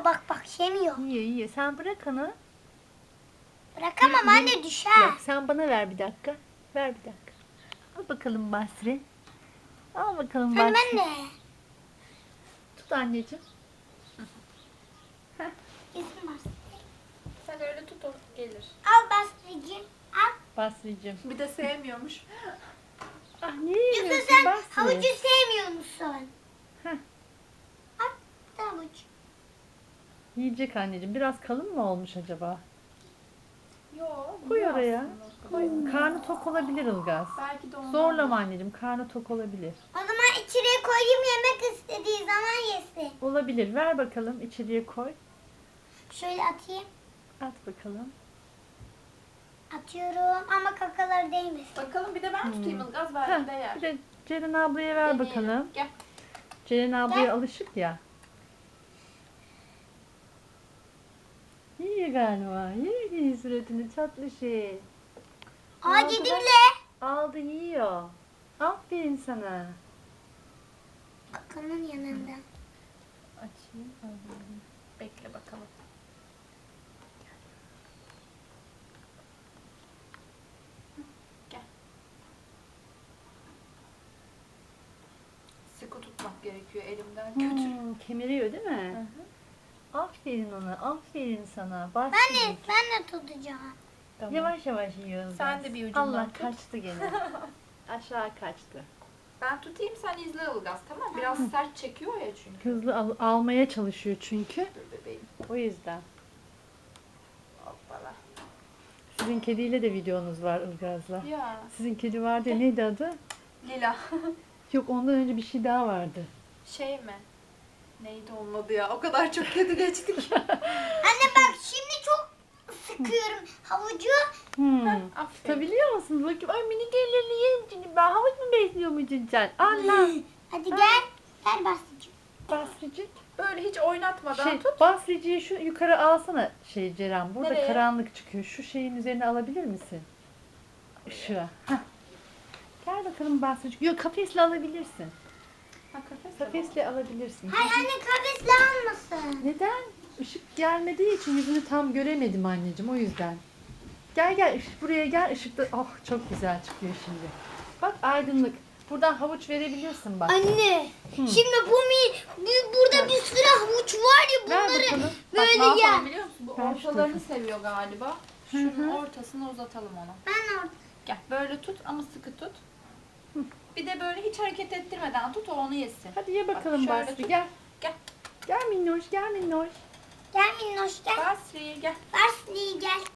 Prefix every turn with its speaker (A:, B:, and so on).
A: bak yemiyor.
B: Yiyor. Sen bırak onu.
A: Bırakamam anne düşer.
B: Yok, sen bana ver bir dakika. Ver bir dakika. Al bakalım Basri. Al bakalım
A: Anne
B: Basri.
A: ben de.
B: Tut anneciğim.
A: İzin var.
C: Sen öyle tut o gelir.
A: Al Basri'cim. Al.
B: Basri'cim.
C: Bir de sevmiyormuş.
B: Ah niye
A: Yoksa
B: yemiyorsun
A: sen
B: Basri?
A: havucu sevmiyor musun?
B: Heh.
A: Al bir de havuç.
B: Yiyecek anneciğim. Biraz kalın mı olmuş acaba?
C: Yok.
B: Koy oraya. Koy. Karnı tok olabilir Ilgaz.
C: Belki de ondan.
B: Zorlama anneciğim. Karnı tok olabilir.
A: O zaman içeriye koyayım yemek istediği zaman yesin.
B: Olabilir. Ver bakalım. İçeriye koy.
A: Şöyle atayım.
B: At bakalım.
A: Atıyorum ama kakalar değmesin.
C: Bakalım bir de ben tutayım Ilgaz belki
B: Heh,
C: de yer.
B: bir de Ceren ablaya ver
C: Deneyelim.
B: bakalım.
C: Gel.
B: Ceren ablaya alışık ya. İyi galiba. İyi suratını tatlı şey.
A: Aa
B: Ne oldu
A: yedim
B: lan?
A: bile.
B: Aldı yiyor. Aferin sana.
A: Kakanın yanında.
B: Açayım.
C: Bekle bakalım. Gel. Sıkı tutmak gerekiyor elimden kötü.
B: Kemiriyor değil mi? Aferin ona. Aferin sana. Bak.
A: Ben de tutacağım.
C: Tamam.
B: Yavaş yavaş yiyoruz.
C: Sen de bir ucundan
B: Allah
C: tut.
B: kaçtı gene. Aşağı kaçtı.
C: Ben tutayım sen izle Ilgaz tamam. Biraz sert çekiyor ya çünkü.
B: Hızlı almaya çalışıyor çünkü.
C: Dur bebeğim.
B: O yüzden.
C: Hoppala.
B: Sizin kediyle de videonuz var Ilgaz'la.
C: Ya.
B: Sizin kedi vardı ya, neydi adı?
C: Lila.
B: Yok ondan önce bir şey daha vardı.
C: Şey mi? Neydi olmadı ya? O kadar çok kedi geçtik.
A: Anne bak şimdi çok sıkıyorum havucu.
C: Aferin.
B: Tutabiliyor musun? Bakayım ay minik ellerini yerim şimdi ben havuç mu besliyor muydun sen? Allah.
A: Hadi gel. Ver Basri'cim.
B: Basricik.
C: Böyle hiç oynatmadan tut.
B: Basriciyi şu yukarı alsana Ceren. Burada
C: Nereye?
B: karanlık çıkıyor. Şu şeyin üzerine alabilir misin? Işığa. Heh. Gel bakalım Basricik. Yok kafesle alabilirsin.
C: Ha, kafes.
B: Kafesle alabilirsin.
A: Hayır anne kafesle almasın.
B: Neden? Işık gelmediği için yüzünü tam göremedim anneciğim o yüzden. Gel buraya gel ışıkta. Oh çok güzel çıkıyor şimdi. Bak aydınlık. Buradan havuç verebilirsin bak.
A: Anne şimdi burada bir sürü havuç var ya
B: Ver
A: bunları
B: bakalım.
C: Bak ne
A: böyle ya.
C: yapalım biliyor musun? Bu
B: Ben şu
C: ortalarını
B: tarafa.
C: seviyor galiba. Şunun ortasına uzatalım onu.
A: Ben orada.
C: Gel böyle tut ama sıkı tut. Bir de böyle hiç hareket ettirmeden tut o onu yesin.
B: Hadi ye bakalım
C: şöyle
B: Basri
C: tut.
B: gel.
C: Gel.
B: Gel minnoş gel minnoş.
A: Gel minnoş gel.
C: Basri gel.
A: Basri gel.